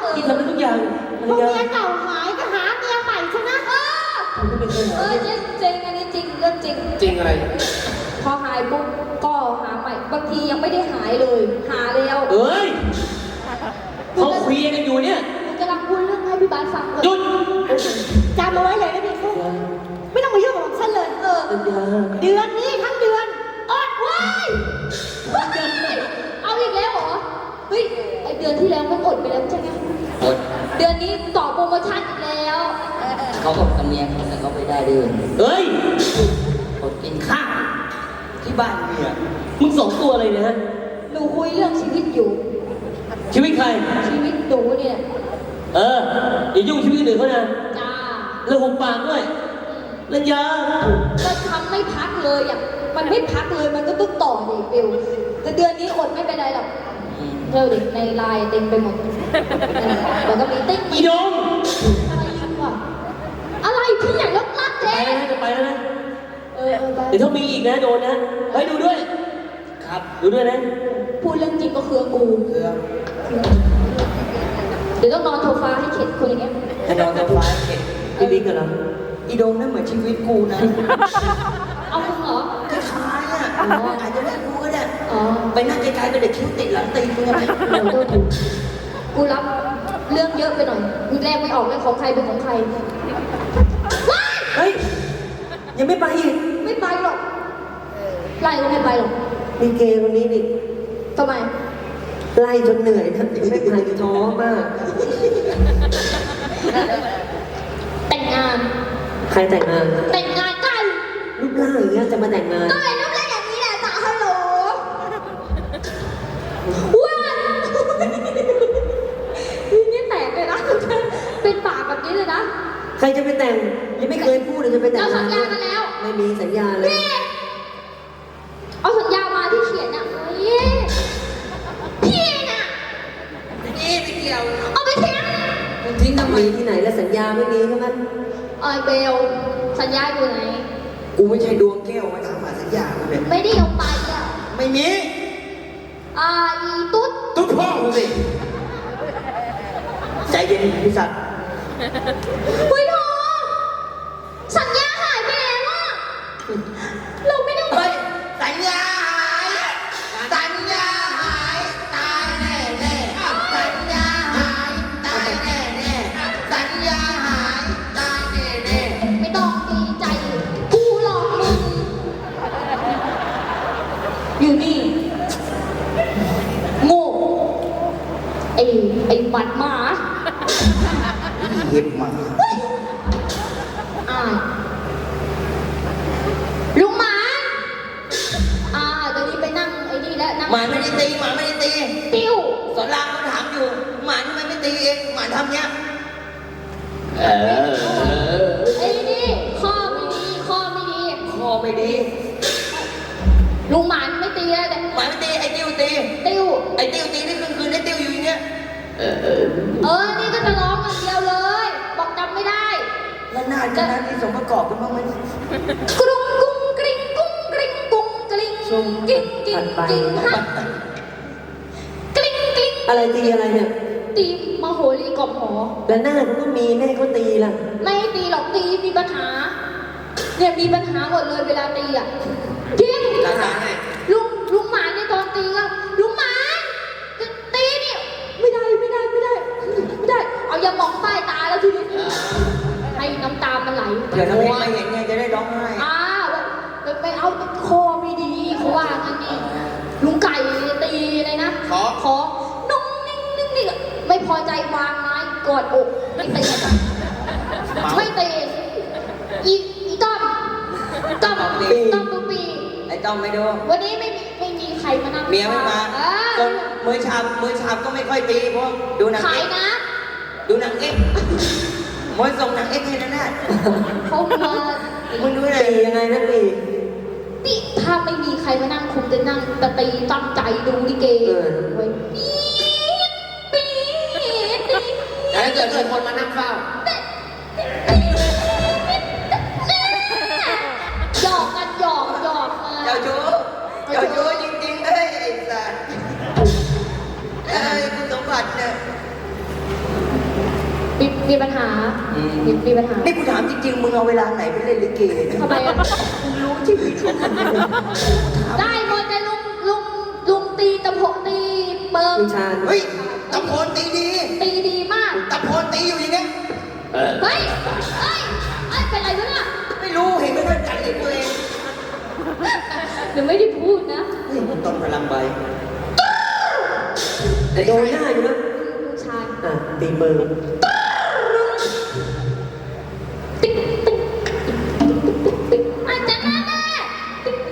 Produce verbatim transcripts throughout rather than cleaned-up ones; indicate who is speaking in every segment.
Speaker 1: ที่ทำได้ทุกอย่าง
Speaker 2: พวกเมียเก่าหายก็หาเมียใหม่ใช่ไหมเออ
Speaker 3: เออจริงจริงอันนี้จริงเรื่องจริง
Speaker 1: จริงอะไร
Speaker 3: พอหายปุ๊บก็หาใหม่บางทียังไม่ได้หายเลยหาแล้ว
Speaker 1: เอ้ยเขาคุยกันอยู่เนี่ย
Speaker 3: หนูกำลังพูดเรื่องให้พี่บาสฟังเลย
Speaker 1: หยุด
Speaker 2: จำเอาไว้เลยนะพี่ฟุ๊กไม่ต้องมายุ่งกับฉันเลยเออ
Speaker 1: สัญญา
Speaker 2: เดือนนี้ทั้งเดือนอดไว้
Speaker 3: เอาอีกแล้วเหรอเฮ้ยไอเดือนที่แล้วมันอดไปแล้วใช่ไหม
Speaker 4: อด
Speaker 3: เดือนนี้ต่อโปรโมชั่นอีกแล้ว
Speaker 4: เขาบอกกับเมียเขาแต่เขาไม่ได้ด้วย
Speaker 1: เอ้ย
Speaker 4: อดกินข้าวที่บ้านเมีย
Speaker 1: มึงสองตัวอะไรเนี่ยฮะ
Speaker 3: หนูคุยเรื่องชีวิตอยู่
Speaker 1: ชีวิตใคร
Speaker 3: ชีวิตหนูเนี่ย
Speaker 1: เอออย่ายุ่งชีวิตคนอื่นเขานะ
Speaker 3: จ้า
Speaker 1: แล้วหุบปากด้วยสัญญา
Speaker 3: ก็ทำไม่พักเลยอ่ะมันไม่พักเลยมันก็ต้องต่อดิเบลแต่เดือนนี้อดไม่เป็นไรหรอก
Speaker 4: อืม
Speaker 3: เธอดิในไลน์เต็มไปหมดแล้วก็มีติ๊ก
Speaker 1: อีดง
Speaker 3: อะไรอีกวะอะไรพี่ใหญ่ลบลัก
Speaker 1: ไป
Speaker 3: เจ๊
Speaker 1: แล้วนะจะไปแล้วนะ
Speaker 3: เออเออไป
Speaker 1: เดี๋ยวถ้ามีอีกนะโดนนะเฮ้ยดูด้วย
Speaker 4: ครับ
Speaker 1: ดูด้วยนะ
Speaker 3: พูดเรื่องจริงก็คือกู
Speaker 4: เครื่อง
Speaker 3: เดี๋ยวต้องนอนโซฟาให้เข็ดคนอย่างเงี้ย
Speaker 4: ให้นอนกับฟ้าเข็ด
Speaker 1: พี่บิ๊กกันเหรอ
Speaker 4: อีโดงนั่นเหมือนชีวิตกูนะ
Speaker 3: เอามึงเหรอ
Speaker 4: คล้ายๆอ่ะอาจจะไม่รู้ก็ได้
Speaker 3: อ๋อ
Speaker 4: ไปนั่งไกลๆก็เด็กคิ้วติดหลังตีนมึงอะ
Speaker 3: เดี๋ยวโดนดูกูรับเรื่องเยอะไปหน่อยกูแรกไม่ออกเลยของใครเป็นของใครว้าย
Speaker 1: เฮ้ยยังไม่ไปอีก
Speaker 3: ไม่ไปหรอกไล่ก็ไม่ไปหรอก
Speaker 1: มีเกย์คนนี้นี่
Speaker 3: ทำไม
Speaker 1: ไล่จนเหนื่อยนะไม่ไปท้อมาก
Speaker 3: แต่งงาน
Speaker 1: ใครแต่งงาน
Speaker 3: แต่งงานกัน
Speaker 1: รูปร่างอย่างเงี้ยจะมาแต่งงาน
Speaker 3: ก็เลยรูปร่างอย่างนี้แหละจ้าฮัลโหลว้าวนี่แตกเลยนะเป็นปากแบบนี้เลยนะ
Speaker 1: ใครจะไปแต่งยังไม่เคยพูดเลยจะไปแต่ง
Speaker 3: เราสั
Speaker 1: งา
Speaker 3: ญ
Speaker 1: น
Speaker 3: ญากันแล้ว
Speaker 1: ไม่มีสัญญาเลย
Speaker 3: พี่เอาสัญญามาที่เขียนอ่ะเฮ้ยพี่น่ะ
Speaker 4: นี่ไม่เกี่ยว
Speaker 3: เอาไปทิ้ง
Speaker 4: มึงทิ้งทำไม
Speaker 1: มีที่ไหนแล้วสัญญาไม่มีใช่ไหม
Speaker 3: เอ้ยเบลสัญญาอยู่ไหน
Speaker 4: กูไม่ใช่ดวงแก้วมาถามหาสัญญากูเนี่ย
Speaker 3: ไม่ได้เอาไปอ่ะ
Speaker 4: ไม่มี
Speaker 3: อ่าอีตุ๊ด
Speaker 4: ตุ๊ดพ่อมึงสิใจเย็นพี่สัตว์
Speaker 3: คุยโทสัญญาหายไปแล้วอ่ะเราไม่ได้
Speaker 4: เฮ้ยสัญญาหายสัญญาหายตายแน่แน่สัญญาหายตายแน่แน่สัญญาหายตายแน่แน่
Speaker 3: ไม่ต้องดีใจกูหลอกมึงอยู่นี่โง่ไอ้ไอ้บัดหมา
Speaker 4: เห็บมา
Speaker 3: อ่าลุงหมาอ่าเดี๋ยวนี้ไปนั่งไอ้นี่แล้วนั่ง
Speaker 4: หมาไม่ได้ตีหมาไม่ได้ตี
Speaker 3: ติ้ว
Speaker 4: สอนรามเขาถามอยู่หมาทำไมไม่ตีเองหมาทำเนี้ย
Speaker 1: เออ
Speaker 3: ไอ้นี่ข้อไม่ดีข้อไม่ดี
Speaker 4: คอไม่ดี
Speaker 3: ลุงหมานไม่ตีแล้วแต่
Speaker 4: หมาไม่ตีไอ้ติ้วตี
Speaker 3: ติ้ว
Speaker 4: ไอ้ติ้วตีนี่คืนคืนไอ้ติ้วอยู่อย่างเงี้ย
Speaker 1: เออเออ
Speaker 3: เออนี่ก็จะร้องอย่างเดียวเลย บอกจำไม่ได้
Speaker 4: แล้วหน้าคณะนี้สมประกอบกันบ้างไหม
Speaker 3: กรุงกุ้งกริงกุ้งกริงกุ้งกริง
Speaker 1: ช่วง
Speaker 3: กิ้งกิ้ง
Speaker 1: ถัดไป
Speaker 3: กิ้งฮะกริงกริง
Speaker 1: อะไรตีอะไรเนี่ย
Speaker 3: ตีมโหรีกล่อมหอ
Speaker 1: แล้วหน้าเขาก็มีแม่เขาตีล่ะ
Speaker 3: ไม่ให้ตีหรอกตีมีปัญหาเนี่ยมีปัญหาหมดเลยเวลาตีอ่ะจริง
Speaker 4: ภาษาไง
Speaker 3: ลุงลุงหมานเนี่ยตอนตีก็ลุงหมานจะตีนี่ไม่ได้ไม่ได้ไม่ได้ไม่ได้ เอาอย่ามองใต้ตาแล้วทีนี้ให้น้ำตามันไหล
Speaker 4: เดี๋ยวถ้าเพ่ไม่เห็นไงจะได้ร้องไห้
Speaker 3: อ้าวไปเอาคอไม่ดีเขาว่างั้นนี่ลุงไก่ตีเลยนะขอขอนุ่งนิ่งนิ่งนิ่งไม่พอใจวางไม้กอดอกไม่ตีไม่ตีอีอีต้อมต้อมต้อมปุปี
Speaker 4: ไอ้ต้อมไม่ดู
Speaker 3: วันนี้ไม่มีไม่มีใครมานั่ง
Speaker 4: เมียไม่มา
Speaker 3: เอ
Speaker 4: จ
Speaker 3: อน
Speaker 4: มือชามมือชามก็ไม่ค่อยตีเพราะดูหนัง
Speaker 3: ขาย
Speaker 4: เอ็ก
Speaker 3: นะ
Speaker 4: ดูหนังเอ็กมวยส่งหนังเอ็กให้นะแน่
Speaker 3: เขามา
Speaker 4: มึงดูหน่อย
Speaker 1: ตียังไงนะตี
Speaker 3: ติถ้าไม่มีใครมานั่งคงจะนั่งตะตีตั้งใจดูลิเกไว้ปี๊ดปี๊ด
Speaker 4: แต่ถ้าเกิดมีคนมานั่งเฝ้า
Speaker 3: หยอกกันหยอกหยอกมา
Speaker 4: เจ้าชู้เจ้าชู้จริงๆเลยไอ้สัสเอ้ยคุณสมบัติเนี่ย
Speaker 3: มีมีปัญหามีมีปัญหา
Speaker 4: นี่กูถามจริงๆ มึงเอาเวลาไหนไปเล่นลิเกเนี่ย
Speaker 3: ทำไมอ่ะ
Speaker 4: มึงรู้ชีวิตของมึง
Speaker 3: ได้หมดแต่ลุงลุงลุงตีตะโพตีเปิง
Speaker 1: คุณชาญ
Speaker 4: เฮ้ยตะโพนตีดี
Speaker 3: ตีดีมาก
Speaker 4: ตะโพนตีอยู่อย่างเงี้ย
Speaker 3: เฮ้ยเฮ้ยเฮ้ยเป็นไรวะเนี่ย
Speaker 4: ไม่รู้เห็นไม่ด้วยกันเห็นตัวเอง
Speaker 3: หนูไม่ได้พูดนะ
Speaker 4: เฮ้ยต้นพลังใบ
Speaker 1: แต่โดนหน้าอยู่นะ
Speaker 3: ลุงชาย
Speaker 1: อ่ะตีมือ
Speaker 3: ติ๊กติ๊กติ๊กอาจารย์แม่ติ๊ก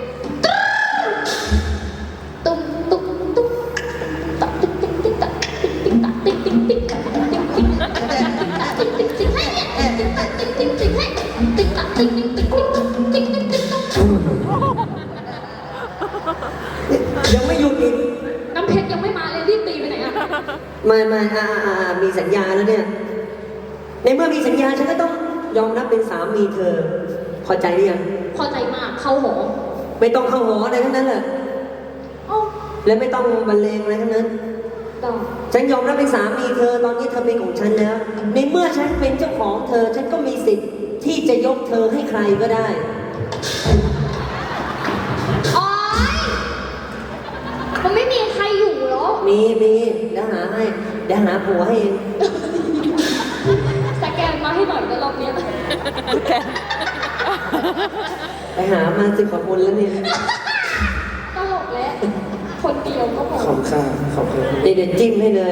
Speaker 3: ตุ้มตุ้มตุ้มตักติ๊กติ๊กติ๊กตักติ๊กติ๊กติ๊กติ๊กติ๊กติ๊กติ๊กติ๊กติ๊กให้ติ๊กตักติ๊กติ๊กติ๊กให้ติ๊กตักติ๊กติ๊กติ๊กติ๊กติ๊กติ๊กติ๊ก
Speaker 1: ยังไม่หยุดอีก
Speaker 3: น้ำเพชรยังไม่มาเลยรีบตีไปไหนอ่ะ
Speaker 1: ไม่ไม่อ่าอ่าอ่ามีสัญญาแล้วเนี่ย ในเมื่อมีสัญญาฉันก็ต้องยอมรับเป็นสามีเธอ พอใจหรือยัง
Speaker 3: พอใจมากเข้าหอ
Speaker 1: ไม่ต้องเข้าหออะไรทั้งนั้นแหละ
Speaker 3: โอ้
Speaker 1: และไม่ต้องบรรเลงอะไรทั้งนั้น
Speaker 3: ดอก
Speaker 1: ฉันยอมรับเป็นสามีเธอ ตอนนี้เธอเป็นของฉันแล้ว ในเมื่อฉันเป็นเจ้าของเธอ ฉันก็มีสิทธิ์ที่จะยกเธอให้ใครก็ได้
Speaker 3: โอ๊ยมันไม่มีใครอยู่หรอ
Speaker 1: มีมีเดี๋ยวหาให้เดี๋ยวหาผัวให้เอง
Speaker 3: สแกนมาให้หน่อยนะรอบเนี้ย
Speaker 1: ไปหามาสิบกว่าคนแล้วเนี่ย
Speaker 3: ตลกแล้วคนเดียวก็พอ
Speaker 4: ขอบค่าขอบคุณ
Speaker 1: เดี๋ยวเดี๋ยวจิ้มให้เลย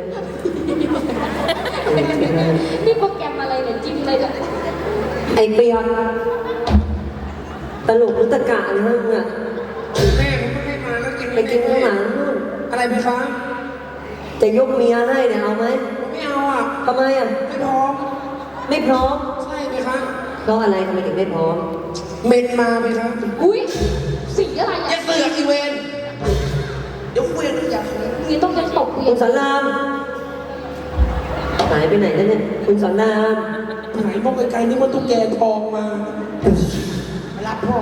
Speaker 3: นี่โปรแกรมอะไรเนี่ยจิ้มเลยเนี่ย
Speaker 1: ไอเปียกตลกหรือตะกะอะไรนั่นน่ะ
Speaker 4: แม่ผมไม่ได้มาแล้วกิน
Speaker 1: ไปกินข้างหลังนู่น
Speaker 4: อะไรไหมคะ
Speaker 1: จะยกเมียให้เนี่ยเอาไหม
Speaker 4: ไม่เอาอ่ะ
Speaker 1: ทำไมอ่ะ
Speaker 4: ไม่พร้อม
Speaker 1: ไม่พร้อม
Speaker 4: ใช่ไหมคะ
Speaker 1: เพราะอะไรทำไมถึงไม่พร้อม
Speaker 4: เมนมาไหมคะ
Speaker 3: อุ้ยสีอะไร
Speaker 4: อย่า
Speaker 3: อ่ะ
Speaker 4: เสือกอีเวนเดี๋ยวคุยกันอยากคุย
Speaker 3: นี่ต้องยังตกเวี
Speaker 1: คุ
Speaker 3: ย
Speaker 1: ณ
Speaker 3: น
Speaker 1: สอนรามหายไปไหนแล้วเนี่ย คุณสอนราม
Speaker 4: หายมองไกลๆนึกว่าตุ๊กแกทองมารับพ่อ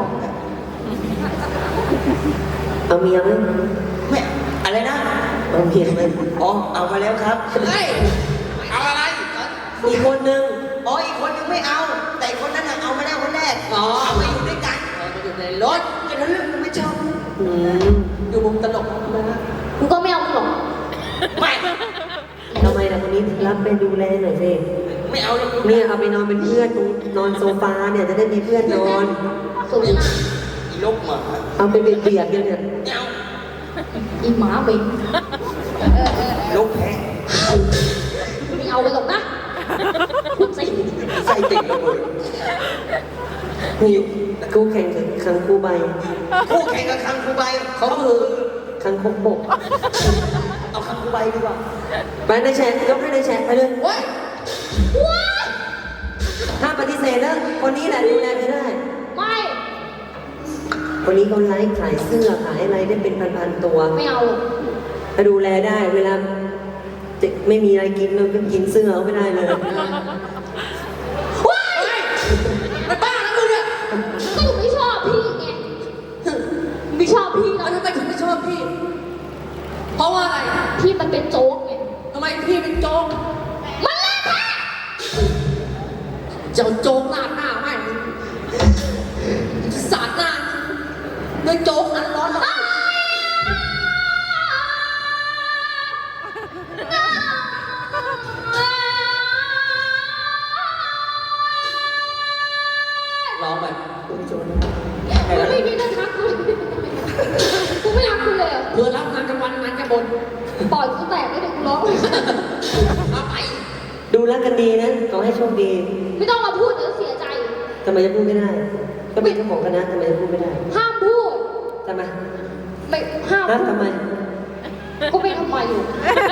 Speaker 1: เอาเมียไหม
Speaker 4: ไม่อะไรนะ
Speaker 1: เอาเมียไหม
Speaker 4: อ๋อเอามาแล้วครับเฮ้ยเอาอะไร
Speaker 1: อีกคนนึง
Speaker 4: อ๋ออีกคนยังไม่เอา แต่อีกคนนั้นน่ะเอามาแล้วคนแรกอ๋อเอามาอยู่ด้วยกันเอามาอยู่ในรถแต่ถ้าเรื่องมันไม่ชอบ
Speaker 1: อืม
Speaker 4: อยู่มุมตลกนะฮะ
Speaker 3: กูก็ไม่เอามึงหรอก
Speaker 4: ไม่
Speaker 1: ทำไมล่ะคนนี้รับไปดูแลหน่อยสิ
Speaker 4: ไม่เอาเลย
Speaker 1: เนี่ยเอาไปนอนเป็นเพื่อนตรงนอนโซฟาเนี่ยจะได้มีเพื่อนนอน
Speaker 3: สูงมาก
Speaker 4: อีลกหมา
Speaker 1: เอาไปเบียดๆกันเนี่ย
Speaker 4: ไม่เอา
Speaker 3: อีหมาเหม็น
Speaker 4: ลกแพ้
Speaker 3: ไม่เอาเลยหรอกนะพูดสิ
Speaker 4: ใส่ติ่งระเบิด
Speaker 1: นี่กูแข่งกับคังคูใบ
Speaker 4: คู่แข่งกับคังคูใบเขาคือ
Speaker 1: คังคกบก
Speaker 4: เอาคังคูใบดีกว่า
Speaker 1: ไปในแชทยกให้ในแชทไปเลย
Speaker 4: เว้ย
Speaker 3: ว้า
Speaker 1: ถ้ามปฏิเสธแล้วคนนี้แหละดูแลเธอได้
Speaker 3: ไม่
Speaker 1: คนนี้เขาไลฟ์ขายเสื้อขายอะไรได้เป็นพันๆตัว
Speaker 3: ไม่เอา
Speaker 1: ถ้าดูแลได้เวลาจะไม่มีอะไรกินเราก็กินเสื้อเขาไม่ได้เลย
Speaker 3: ว้ายมันบ้าแล้วมึงเนี่ยก็อยู่ไม่ชอบพี่ไงไม่ชอบพี่แล้ว
Speaker 5: ทำไมถึงไม่ชอบพี่ เพราะว่าอะไร
Speaker 3: พี่มันเป็นโจ๊กไง
Speaker 5: ทำไมพี่เป็นโจ๊ก
Speaker 3: มันเล่นแท้
Speaker 5: เจ้าโจ๊กหน้าหน้าไม่สาดหน้าด้วยโจ๊กอันร้อนระอุร้องแบบ
Speaker 3: กูไม่มีเรื่องทักกูกูไม่รักกูเลยอะ
Speaker 5: เพื่อรับงานกลางวันงานกลางบน
Speaker 3: ปล่อยกูแตกไม่ได้กูร้อง
Speaker 5: เอาไป
Speaker 1: ดูแลกันดีนะขอให้โชคดี
Speaker 3: ไม่ต้องมาพูดเดี๋ยวเสียใจ
Speaker 1: ทำไมจะพูดไม่ได้ ก็เป็นเจ้าของคณะทำไมจะพูดไม่ได้
Speaker 3: ห้ามพูด
Speaker 1: ทำไม
Speaker 3: ไม่ห้าม
Speaker 1: ฮะ
Speaker 3: พูด
Speaker 1: ทำไม
Speaker 3: ก็ไม่ทำไมอยู่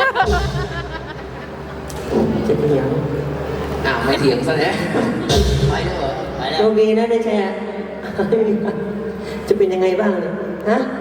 Speaker 1: จะเถียง
Speaker 5: อ้าวไม่เถียงซะแล้วไปแล้วเหรอไปแล้
Speaker 1: โช
Speaker 5: ว
Speaker 1: คดีนะในแชร์ จะเป็นยังไงบ้างเนี่ยฮะ